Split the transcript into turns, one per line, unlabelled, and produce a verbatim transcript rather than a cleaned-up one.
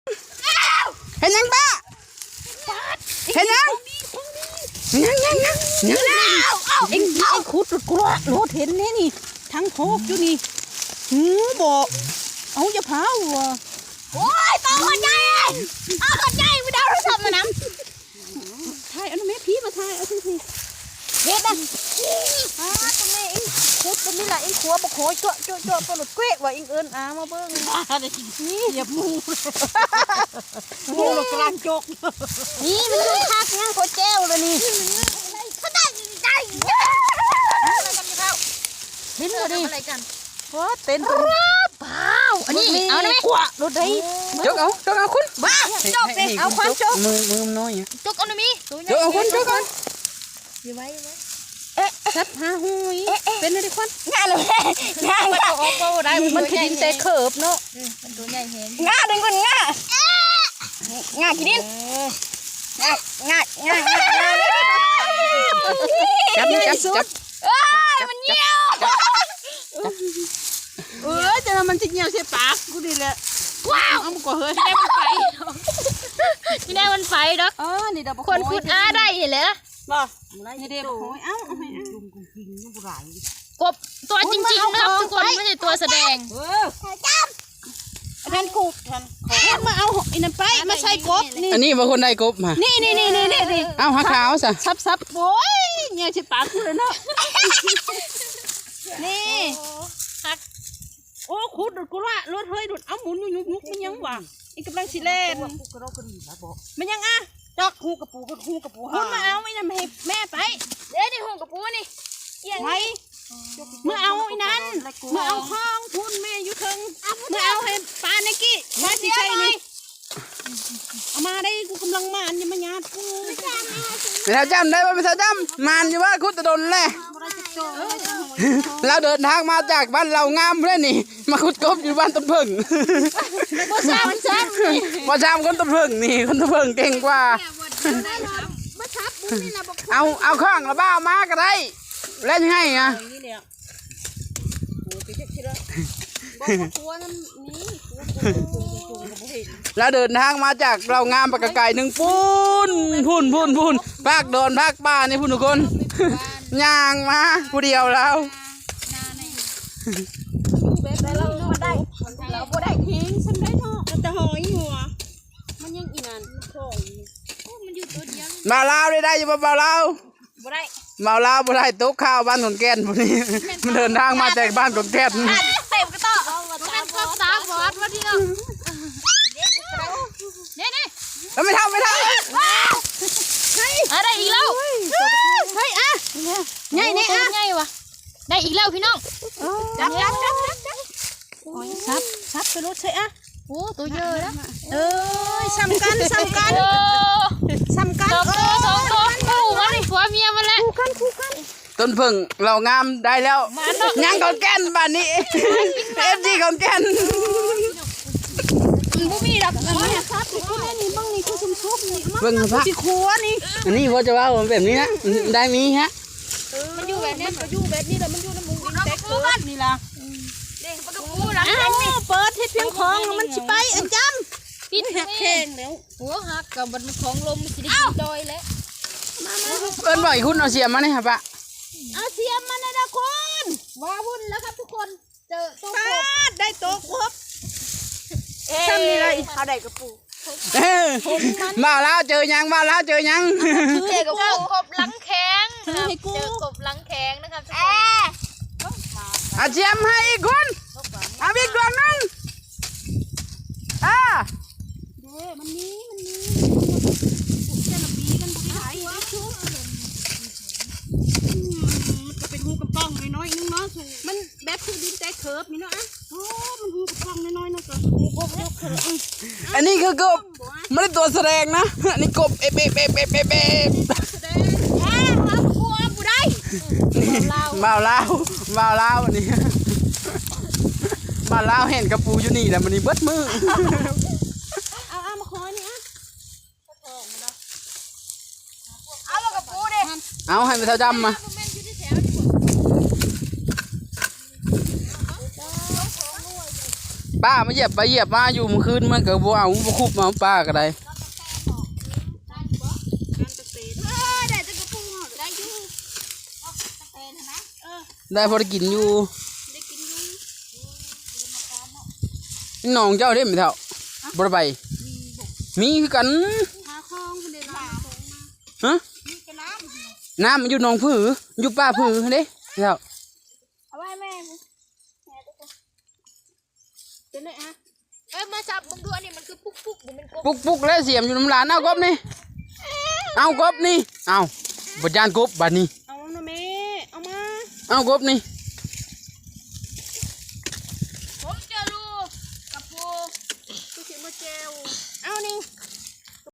เห็นยังป้าเห็นยังยังยังยังยัง
เอ็งเอ็งขุดกลัวโลดเห็นนี่นี่ทั้งโคกอยู่นี่หือบอกเอาจะเผาว่ะ
โอ้ยตัวคนใหญ่เอาคนใหญ่ไม่ได้รู้สึกมันน้ำ
ถ่ายเอาแม่พี่มาถ่ายเอาสิสิ
เด็ดนะอ่าตรงนี้เอ็งขุดตรงนี้แหละเอ็งขัวบกโขยเจาะเจาะเจาะปลุดเกล้ว่าเอ็งเอิญอามาเบิ้ง
นี่เหยียบมูมูกลางจก
นี่มันดูคักนะโคเจ้าเลยนี่เขาได้ได้
เห็นเลยดิ
อะไรกัน
ว้าเต้นตัว
เปล่าอันนี้เอาได้
กว่ารถได้
จกเอาจกเอาคุณ
บ้าจกสิเอาความจก
มือมือน้อย
จกเอาหน่อยมี
จกเอาคุณจกเอา
อยู่ไว้อยู่ไว้
เอ๊ะสัตว์หาหุยเป็นอะไรควัน
งาเลยงา
มันออกก็ได้มันคือดินแต่เขิบเนาะ
มันตัวใหญ่เห็น
งาดึงก่อนงา
งากินดินงางางางา
จับจับจับ
เอ้ยมันเหี่ยว
เออจะมันจะเหี่ยวใส่ปากกูดีแหละ
ว้าว
เอามันก็เฮ้ย
ที่ได้มันไฟที่ได้มันไฟดอก
เออนี่ดอก
คนขุดอาได้เลย
บ่นี่เด็กโอ้ยเอ้าเอาให้จุ่มกุ้งกินยังบุไร
กบตัวจริงๆนะครับทุกคนไม่ใช่ตัวแสดง
เออท่านกูท่านท่านมาเอาไอ้นั่นไปมาใส่กบ
นี่อันนี้ว่าคนได้กบมา
นี่นี่นี่นี่นี่
เอาหักขาวซะ
ซับซับโอ้ยเนี่ยใช่ปากกูเลยเนาะนี่ฮักโอ้ขุดดูกูละรถเฮ้ยดูเอาหมุนยุกยุกมันยังหวังอีกกำลังสิเล่นมันยังอ่ะจอกหูกระปูกหูกระปูคุณมาเอาไอ้นั่นให้แม่ไป
เดี๋ยวนี่หูกระปูนี่
ไว้เมื่อเอาไอ้นั้นเมื่อเอาข้องทุนแม่ยุทึงเมื่อเอาให้ปลาในกี้มาสิใช่นี่เอามาได้กูกำลังมานยังมาหยาดกู
ไม่เท่าจำได้ว่าไม่เท่าจำมันอยู่ว่าคุดตะดนแหละเราเดินทางมาจากบ้านเรางามเลยนี่มาคุดกบอยู่บ้านต้นพึ่ง
มาซ้ำซ้
ำมาซ้ำคนต้นพึ่งนี่คนต้นพึ่งเก่งกว่าเอาเอาข้างระบ้ามาก็ได้เล่นให้อะแล้วเดินทางมาจากเรางามปากกไก่หนึ่งปุ้นพุ่นพุ่นพุ่นภาคโดนภาคป่านี่พุ่นทุกคนย่างมาผู้เดียวแล้ว
เราได้เราก็ได้ทิ้งฉันได้เนาะแต่หอยหัวมันยังอีนานของ
มันอยู่ตัวเดียว
มาลาวได้ได้อยู่บ่มาลาว
บ่ได้
มาลาวบ่ได้ตกข้าวบ้านขอนแก่นพวกนี้มันเดินทางมาจากบ้านขอนแก่น
เต็มกระต่อมันก็สามบอสว่าที่เราเนี่ยนี่
แล้วไม่ทำไม่ทำ
อะไรอีกแล้ว
เฮ้ยอ่ะ
ง่ายนี่อ่ะง่ายวะได้อีกแล้วพี่น้อง
จับจับจับจับจับซับซับไปรถใช่อ่ะ
โอ้ตัวเยอะแล้ว
เออซ้ำกันซ้ำกันซ้ำกัน
สองตัวสองตัวคู่มันผัวเมียมันแหละ
คู่กันคู่กัน
ต้นพึ่งเรางามได้แล้วยังขอนแก่นบ้านนี้เอฟซีขอนแก่น
บุมีดอก
นี่ครับนี่นี่บ้างนี่คือชุ่มชุบนี่
เบิ่งพระ
สิขัวนี่
อันนี้ว่าจะว่าแบบนี้นะได้มีฮะ
มันอยู่แบบนี้มันอยู่แบบนี้แล้วมันอยู่ในมุ้งดินแตกเกิดนี่ล่ะ
เด้งปลาปูหลัง
นี่เปิดให้เพียงของมันชิไปอันจำ
ปิด
หักแข้งแล้ว
หัวหักกับมันของลมสิได้ดอยแล้ว
มา
เอิ้นบ่อยคุณเอาเสียมมาเนี่ยครับปะ
เอาเสียมมาเลยนะคุณ
ว้าวุ่นแล้วครับทุกคนเจอตัวก
บได้ตัวกบซ้ำนี่เลยเอาได้กระปู
มาแล้วเจอยังมาแล้วเจอยัง
เจอกบกบหลังแข็งเจอกบหลังแข็งนะครับทุกคน
อาเชียมให้อีกคนเอาอีกดวงนึงอ่า
เด้มันนี้มันนี้เจนบีกันบุกไหลมันจะเป็นหูกระป๋องน้อยๆนึงเนาะมันแบบคือดินแต่เคิร์ฟนี่เนาะอ่ะโอ้มันหูกระป๋องน้อยๆเนาะก็หูกบเคิร์ฟ
อันนี้คือกบไม่ได้ตัวแสดงนะอันนี้กบเอเบเบเบเบเบมาเล่ามาเล่าอันนี้มาเล่าเห็นกระปูอยู่นี่แหละมันนี่เบิดมือ
เอาเอามาคอยนี่อ่ะ
เอามากระปูดิ
เอาให้ไปเท่าจำมาป้ามาเหยียบไปเหยียบมาอยู่เมื่อคืนมันก็บ่เอาบ่คุบมาป้าก็ได้
ได้จะกระปุกได้อยู่ตะเปนนะเออ
ได้พอได้กินอยู่
ได้กินอยู่
น้องเจ้าเด้ไม่เท่าบ่ได้ไปมีคือกัน
หาคลองคนเดียวมา
ฮะ
มีกระน้ำ
น้ำมันอยู่หนองผืออยู่ป้าผือเด้ไม่เท่า
เอาไว้แม่แม่ตุ๊กเป็นไงฮะเอ้ยมาจับมึงดูอันนี้มันคือปุ๊กปุ๊กหรือมันกบ
ปุกปุกแล้วเสียมอยู่น้ำลานเอากบนี่เอากบนี่เอาบดยานกบบาดนี้
เอานะแม่เอามา
เอากบนี่
เ